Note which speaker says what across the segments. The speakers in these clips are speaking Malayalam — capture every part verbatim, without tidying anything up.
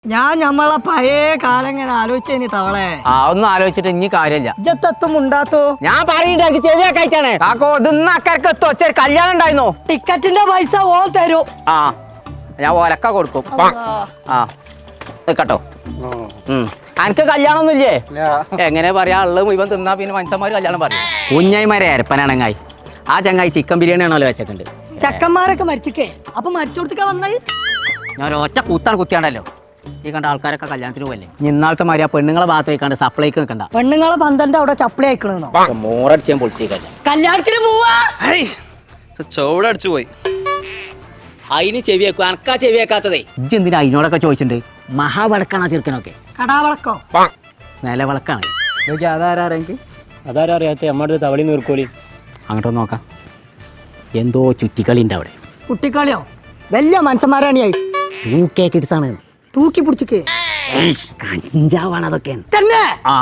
Speaker 1: ഞാൻ ഞമ്മളെ പഴയ കാലം ഇങ്ങനെ ആലോചിച്ചേനി തവളെ.
Speaker 2: ആ ഒന്നും ആലോചിച്ചിട്ട് ഇനി കാര്യമില്ല.
Speaker 1: ഇജ്ജത്തെത്തും ഉണ്ടാത്തോ
Speaker 2: ഞാൻ പറയുണ്ടാക്കി ചെവിയൊക്കെ അയച്ചാണ് കാക്കോ ഇന്ന് അക്കരക്ക് എത്തും ഒച്ച കല്യാണം ഉണ്ടായിരുന്നോ?
Speaker 1: ടിക്കറ്റിന്റെ പൈസ ഓ തരൂ.
Speaker 2: ആ ഞാൻ ഒലക്ക കൊടുക്കും. ആ കേട്ടോ. ഉം എനിക്ക് കല്യാണം ഒന്നും ഇല്ലേ? എങ്ങനെ പറയാ ഉള്ളത് മുഴുവൻ തിന്നാ പിന്നെ മനുഷ്യന്മാര് കല്യാണം പറയും. കുഞ്ഞായിമാരെ അരപ്പനാണങ്ങായി ആ ചങ്ങായി ചിക്കൻ ബിരിയാണി ആണല്ലോ വെച്ചിട്ടുണ്ട്.
Speaker 1: ചെക്കന്മാരൊക്കെ മരിച്ചിക്കേ അപ്പൊ മരിച്ചോടത്തേക്കാ വന്നായി.
Speaker 2: ഞാൻ ഒറ്റ കൂത്താണ് കുത്തിയാണ്ടല്ലോ ഈ കണ്ട ആൾക്കാരൊക്കെ കല്യാണത്തിന് പോകല്ലേ. ഇന്നാളത്തെ മാതിരി ആ പെണ്ണുങ്ങളെ ഭാഗത്ത് വയ്ക്കാണ്ട് സപ്ലൈക്ക് നിൽക്കണ്ട.
Speaker 1: പെണ്ണുങ്ങളെ പന്തന്റെ അവിടെ ചപ്പിളി അയക്കണോ?
Speaker 2: മോറടിച്ച് ഞാൻ പൊളിച്ചേക്കല്ല.
Speaker 1: കല്യാണത്തിന് പോവാ
Speaker 3: ചൂടടിച്ചു പോയി.
Speaker 2: അതിന് ചെവി വെക്കും അനക്കാ ചെവി വെക്കാത്തതേ. ഇജ്ജ് എന്തിനാ അതിനോടൊക്കെ ചോദിച്ചിട്ടുണ്ട്? മഹാവിളക്കാണ് ആ ചെറുക്കനൊക്കെ.
Speaker 1: കടാവളക്കോ
Speaker 2: നിലവിളക്കാണ്.
Speaker 4: അതാരാ അതാരാ അറിയാത്ത അമ്മയുടെ തവളി നീർക്കോലി.
Speaker 2: അങ്ങോട്ടൊന്ന് നോക്കാം. എന്തോ ചുറ്റിക്കളി ഉണ്ട് അവിടെ.
Speaker 1: കുട്ടിക്കളിയോ? വലിയ മനുഷ്യന്മാരാണ്
Speaker 2: യൂക്കെ കിഡ്സാണ്.
Speaker 1: തൂക്കി പിടിച്ചിക്കേ
Speaker 2: കഞ്ചാവാണ് അതൊക്കെ
Speaker 1: തന്നെ.
Speaker 2: ആ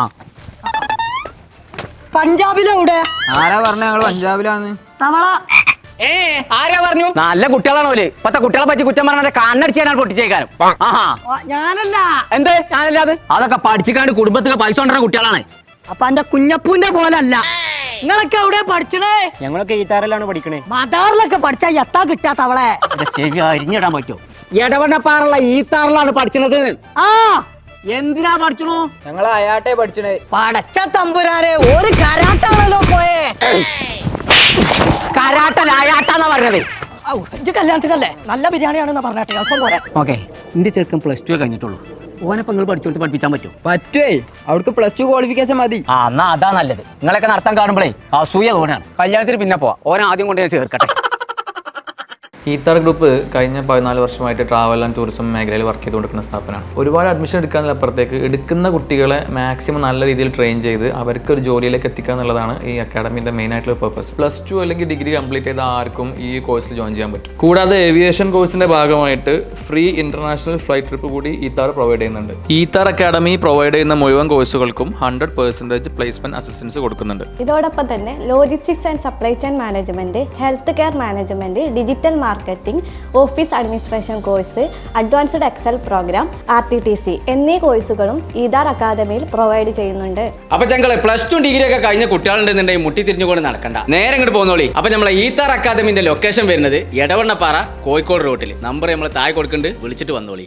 Speaker 1: പഞ്ചാബിലെവിടെ?
Speaker 4: ആരാ പറഞ്ഞ ഞങ്ങള് പഞ്ചാബിലാന്ന്?
Speaker 1: തവള
Speaker 2: ഏ ആരാ പറഞ്ഞു? നല്ല കുട്ടികളാണ് ഓല്. ഇപ്പത്തെ കുട്ടികളെ പറ്റി കുറ്റം പറഞ്ഞാൽ കണ്ണടിച്ചാൽ പൊട്ടിച്ചേക്കാനും. ആഹാ
Speaker 1: ഞാനല്ല.
Speaker 2: എന്തേ ഞാനല്ലാതെ? അതൊക്കെ പഠിച്ചിക്കാണ്ട് കുടുംബത്തിലെ പൈസ കൊണ്ടുവരുന്ന കുട്ടികളാണ്.
Speaker 1: അപ്പൊ എന്റെ കുഞ്ഞപ്പൂന്റെ പോലല്ല. നിങ്ങളൊക്കെ എവിടെ പഠിച്ചണേ?
Speaker 4: ഞങ്ങളൊക്കെ ഈത്താറിലാണ് പഠിക്കണേ.
Speaker 1: മദാറിലൊക്കെ പഠിച്ചാ എത്താ കിട്ടാ തവളെ.
Speaker 2: ചെവി അരിഞ്ഞിടാൻ പറ്റുമോ? ഇടവണ്ണപ്പാറുള്ള ഈത്താറിലാണ് പഠിച്ചത്. ആ എന്തിനാ പഠിച്ചണു?
Speaker 4: ഞങ്ങൾ അയാട്ടെ പഠിച്ചണേ.
Speaker 1: പടച്ച തമ്പുരാനെ ഒരു കരാട്ടാണല്ലോ പോയേ.
Speaker 2: കരാട്ടല്ല അയാട്ടാന്നാ പറഞ്ഞത്.
Speaker 1: ഇജ്ജ് കല്യാണത്തിനല്ലേ? നല്ല ബിരിയാണിയാണെന്ന് പറഞ്ഞാട്ടെ അല്പം പോരെ.
Speaker 2: ഓക്കെ എന്റെ ചെറുക്കൻ പ്ലസ് ടു കഴിഞ്ഞിട്ടുള്ളൂ. ഓനപ്പം നിങ്ങൾ പഠിച്ചോട്ട് പഠിപ്പിച്ചാൻ പറ്റുമോ?
Speaker 4: പറ്റുവേ. അവിടുത്തെ പ്ലസ് ടു ക്വാളിഫിക്കേഷൻ മതി.
Speaker 2: ആ എന്നാ അതാ നല്ലത്. നിങ്ങളൊക്കെ നടത്താൻ കാണുമ്പോഴേ അസൂയ തോന്നാണ്. കല്യാണത്തിന് പിന്നെ പോവാ. ഓൻ ആദ്യം കൊണ്ട് ഞാൻ ചേർക്കട്ടെ.
Speaker 5: ഈത്താർ ഗ്രൂപ്പ് കഴിഞ്ഞ പതിനാല് വർഷമായിട്ട് ട്രാവൽ ആൻഡ് ടൂറിസം മേഖലയിൽ വർക്ക് ചെയ്തുകൊണ്ടിരിക്കുന്ന സ്ഥാപനമാണ്. ഒരുപാട് അഡ്മിഷൻ എടുക്കാനപ്പുറത്തേക്ക് എടുക്കുന്ന കുട്ടികളെ മാക്സിമം നല്ല രീതിയിൽ ട്രെയിൻ ചെയ്ത് അവർക്ക് ഒരു ജോലിയിലേക്ക് എത്തിക്കുക എന്നുള്ളതാണ് ഈ അക്കാഡമിൻ്റെ മെയിൻ ആയിട്ടുള്ള പർപ്പസ്. പ്ലസ് ടു അല്ലെങ്കിൽ ഡിഗ്രി കംപ്ലീറ്റ് ചെയ്ത ആർക്കും ഈ കോഴ്സിൽ ജോയിൻ ചെയ്യാൻ പറ്റും. കൂടാതെ ഏവിയേഷൻ കോഴ്സിന്റെ ഭാഗമായിട്ട് ഫ്രീ ഇന്റർനാഷണൽ ഫ്ലൈറ്റ് ട്രിപ്പ് കൂടി ഈത്താർ പ്രൊവൈഡ് ചെയ്യുന്നുണ്ട്. ഈത്താർ അക്കാഡമി പ്രൊവൈഡ് ചെയ്യുന്ന മുഴുവൻ കോഴ്സുകൾക്കും ഹൺഡ്രഡ് പെർസെൻറ്റേജ് പ്ലേസ്മെന്റ് അസിസ്റ്റൻസ് കൊടുക്കുന്നുണ്ട്.
Speaker 6: ഇതോടൊപ്പം തന്നെ logistics and supply chain management, health care management, digital marketing, office administration course, advanced excel program, R T T C എന്നീ കോഴ്സുകളും ഈതാർ അക്കാദമിയിൽ പ്രൊവൈഡ് ചെയ്യുന്നുണ്ട്.
Speaker 2: അപ്പൊ ഞങ്ങള് പ്ലസ് ടു ഡിഗ്രി ഒക്കെ കഴിഞ്ഞ കുട്ടികളുണ്ടെന്നുണ്ടെങ്കിൽ മുട്ടി തിരിഞ്ഞുകൊണ്ട് നടക്കണ്ട, നേരെ ഇങ്ങോട്ട് പോന്നോളി. അപ്പൊ നമ്മളെ ഈത്താർ അക്കാദമിന്റെ ലൊക്കേഷൻ വരുന്നത് എടവണ്ണപ്പാറ കോഴിക്കോട് റോട്ടിൽ. നമ്പർ നമ്മൾ താഴെ കൊടുക്കുന്നുണ്ട്, വിളിച്ചിട്ട് വന്നോളി.